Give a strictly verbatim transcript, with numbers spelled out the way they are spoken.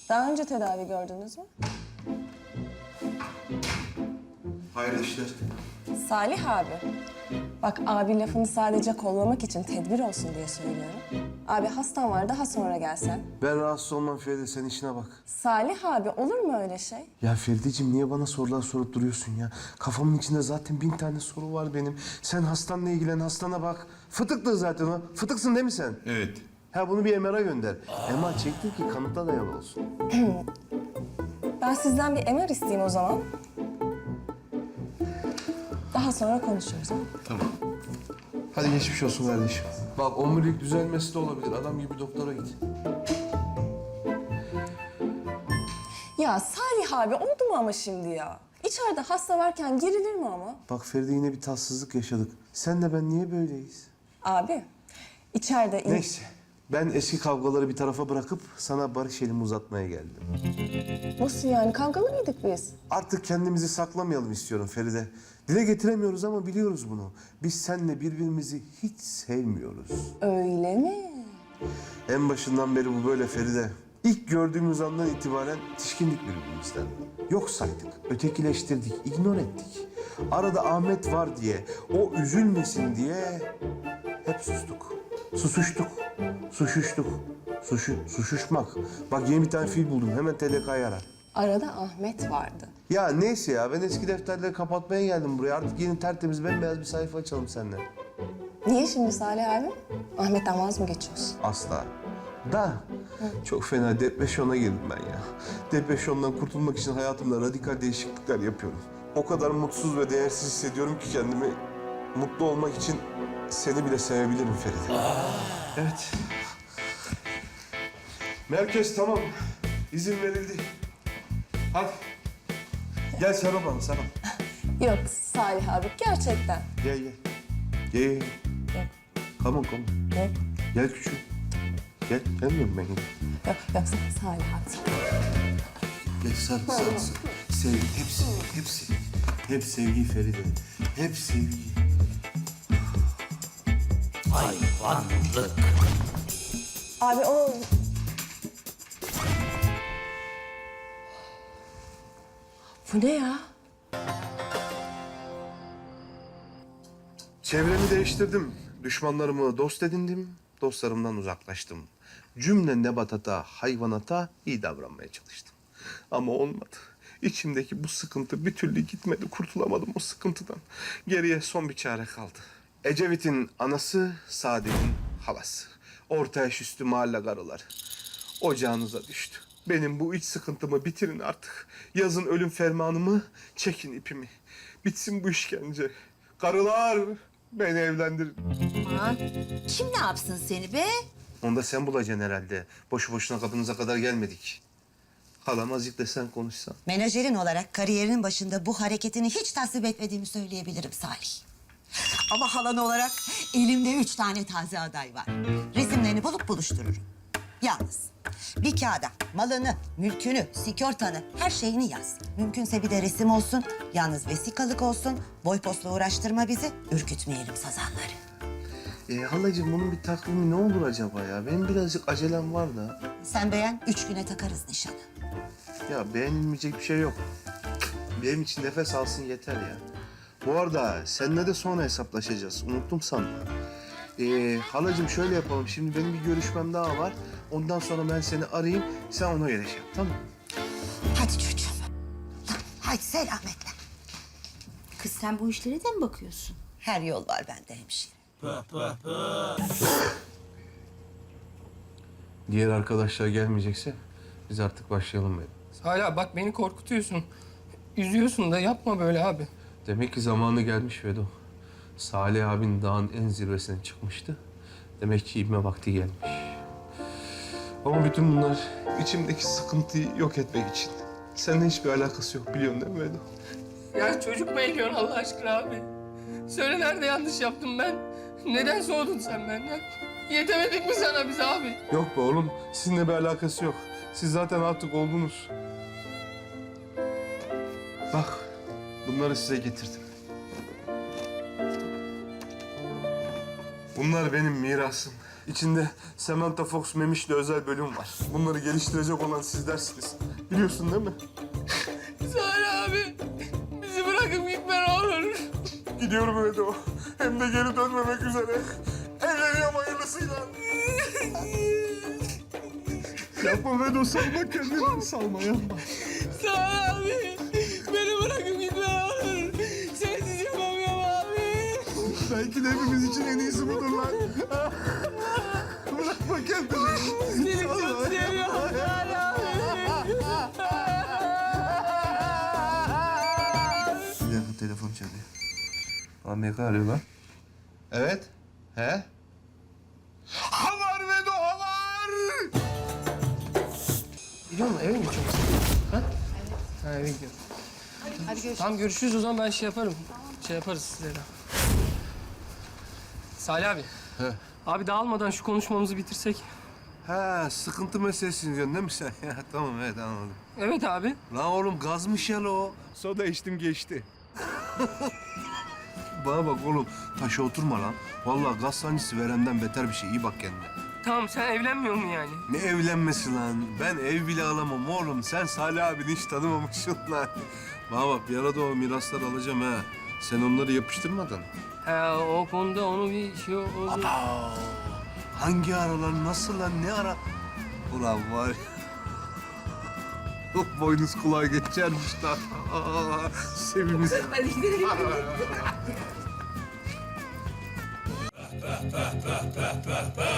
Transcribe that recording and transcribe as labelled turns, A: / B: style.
A: Daha önce tedavi gördünüz mü?
B: Hayırlı işler.
A: Salih abi. Bak abi lafını sadece kollamak için tedbir olsun diye söylüyorum. Abi hastan var, daha sonra gelsen.
B: Ben rahatsız olmam Feride, sen işine bak.
A: Salih abi, olur mu öyle şey?
B: Ya Ferideciğim, niye bana sorular sorup duruyorsun ya? Kafamın içinde zaten bin tane soru var benim. Sen hastanla ilgilen, hastana bak. Fıtıktı zaten o. Fıtıksın değil mi sen?
C: Evet.
B: Ha, bunu bir M R'a gönder. M R çektir ki kanıta dayalı olsun.
A: Ben sizden bir M R isteyeyim o zaman. Daha sonra konuşuruz. Ha?
C: Tamam.
B: Hadi geçmiş olsun kardeşim. Bak, omurilik düzelmesi de olabilir. Adam gibi doktora git.
A: Ya Salih abi, oldu mu ama şimdi ya? İçeride hasta varken girilir mi ama?
B: Bak Feride, yine bir tatsızlık yaşadık. Senle ben niye böyleyiz?
A: Abi, içeride... in-
B: Neyse. Ben eski kavgaları bir tarafa bırakıp sana barış elimi uzatmaya geldim.
A: Nasıl yani? Kavgalı mıydık biz?
B: Artık kendimizi saklamayalım istiyorum Feride. Dile getiremiyoruz ama biliyoruz bunu. Biz seninle birbirimizi hiç sevmiyoruz.
A: Öyle mi?
B: En başından beri bu böyle Feride. İlk gördüğümüz andan itibaren tişkindik birbirimizden. Yok saydık, ötekileştirdik, ignor ettik. Arada Ahmet var diye, o üzülmesin diye hep sustuk. Susuştuk, suşuştuk. Suşu, suşuşmak. Bak, yeni bir tane fiil buldum, hemen T D K'yı ara.
A: Arada Ahmet vardı.
B: Ya neyse ya, ben eski defterleri kapatmaya geldim buraya. Artık yeni tertemiz bembeyaz bir sayfa açalım seninle.
A: Niye şimdi Salih abi? Ahmet'ten vaz mı geçiyorsun?
B: Asla. Da çok fena depresyona girdim ben ya. Depresyondan kurtulmak için hayatımda radikal değişiklikler yapıyorum. O kadar mutsuz ve değersiz hissediyorum ki kendimi, mutlu olmak için seni bile sevebilirim Feride. Evet. Merkez tamam. İzin verildi. Hadi. Gel sarıl bana, sarıl.
A: Yok Salih abi, gerçekten.
B: Gel gel. Gel gel.
A: Yok,
B: Come on, come on.
A: yok,
B: Gel küçük. Gel. Gelmiyorum ben.
A: yok, yok Salih abi.
B: Gel sarıl, sarıl, sarıl. Sevgi, hepsi, hepsi. Hep sevgi Feride. Hep sevgi.
D: Hayvanlık.
A: Abi o... Bu ne ya?
B: Çevremi değiştirdim. Düşmanlarımı dost edindim. Dostlarımdan uzaklaştım. Cümle nebatata, hayvanata iyi davranmaya çalıştım. Ama olmadı. İçimdeki bu sıkıntı bir türlü gitmedi. Kurtulamadım o sıkıntıdan. Geriye son bir çare kaldı. Ecevit'in anası, Saadet'in halası. Orta yaş üstü mahalle karıları. Ocağınıza düştü. Benim bu iç sıkıntımı bitirin artık. Yazın ölüm fermanımı, çekin ipimi. Bitsin bu işkence. Karılar, beni evlendirin.
E: Aman, kim ne yapsın seni be?
B: Onu da sen bulacaksın herhalde. Boşu boşuna kapınıza kadar gelmedik. Halam azıcık da sen konuşsan.
E: Menajerin olarak kariyerinin başında bu hareketini hiç tasvip etmediğimi söyleyebilirim Salih. Ama halan olarak elimde üç tane taze aday var. Resimlerini bulup buluştururum. Yalnız bir kağıda malını, mülkünü, sigortanı, her şeyini yaz. Mümkünse bir de resim olsun, yalnız vesikalık olsun. Boy postla uğraştırma bizi, ürkütmeyelim sazanları.
B: Ee, halacığım, bunun bir takvimi ne olur acaba ya? Benim birazcık acelem var da.
E: Sen beğen, üç güne takarız nişanı.
B: Ya beğenilmeyecek bir şey yok. Benim için nefes alsın yeter ya. Bu arada seninle de sonra hesaplaşacağız. Unuttum sanma. Ee, halacığım şöyle yapalım. Şimdi benim bir görüşmem daha var. Ondan sonra ben seni arayayım. Sen ona göre şey yap, tamam mı?
E: Hadi çocuğum. Hadi selametle.
F: Kız sen bu işlere de mi bakıyorsun?
E: Her yol var bende hemşire.
B: Diğer arkadaşlar gelmeyecekse biz artık başlayalım dedim.
G: Hala bak beni korkutuyorsun. Üzüyorsun da yapma böyle abi.
B: Demek ki zamanı gelmiş Vedo. Salih abin dağın en zirvesine çıkmıştı. Demek ki inme vakti gelmiş. Ama bütün bunlar içimdeki sıkıntıyı yok etmek için. Seninle hiçbir alakası yok, biliyorsun değil mi Vedo?
G: Ya çocuk mu ediyorsun Allah aşkına abi? Söyle, nerede yanlış yaptım ben? Neden soğudun sen benden? Yetemedik mi sana biz abi?
B: Yok be oğlum, sizinle bir alakası yok. Siz zaten artık oldunuz. Bak, bunları size getirdim. Bunlar benim mirasım. İçinde Samantha Fox Memiş'le özel bölüm var. Bunları geliştirecek olan sizlersiniz. Biliyorsun değil mi?
G: Salih abi, bizi bırakıp gitme ne olur.
B: Gidiyorum Vedo. Hem de geri dönmemek üzere. Evleniyorum hayırlısıyla. Yapma Vedo, salma kendini. Salma, yapma.
G: Salih abi, beni bırakıp gitme ne olur. Sensiz yapamıyorum abi.
B: Belki de hepimiz için en iyisi budur lan. Bırakma kendini.
G: Seni çok seviyorum Salih abi.
B: Bir dakika, telefon çalıyor. Amerika arıyor lan. Evet. He? Havar Vedo, havar!
G: Gidiyor mu? Eve mi gidiyorsun? Ha? Ha eve gidiyorum. Hadi görüşürüz. Tamam görüşürüz o zaman ben şey yaparım. Şey yaparız size de. Salih abi.
B: He.
G: Abi dağılmadan şu konuşmamızı bitirsek.
B: Ha, sıkıntı meselesini diyorsun değil mi sen? Ya, tamam, evet, anladım.
G: Evet abi.
B: Lan oğlum, gazmış ya o. Soda içtim geçti. Bana bak oğlum, taşa oturma lan. Vallahi gaz sancısı verenden beter bir şey. İyi bak kendine.
G: Tamam sen evlenmiyor mu yani?
B: Ne evlenmesi lan? Ben ev bile alamam oğlum. Sen Salih abini hiç tanımamışsın lan. Bana bak, bir arada o mirasları alacağım ha. Sen onları yapıştırmadın.
G: Ha o konuda onu bir şey oldu.
B: Aa, hangi aralar, nasıl lan, ne ara? Ulan var ya. Boynuz kulağa geçermiş lan. Sevimiz. Hadi gidelim.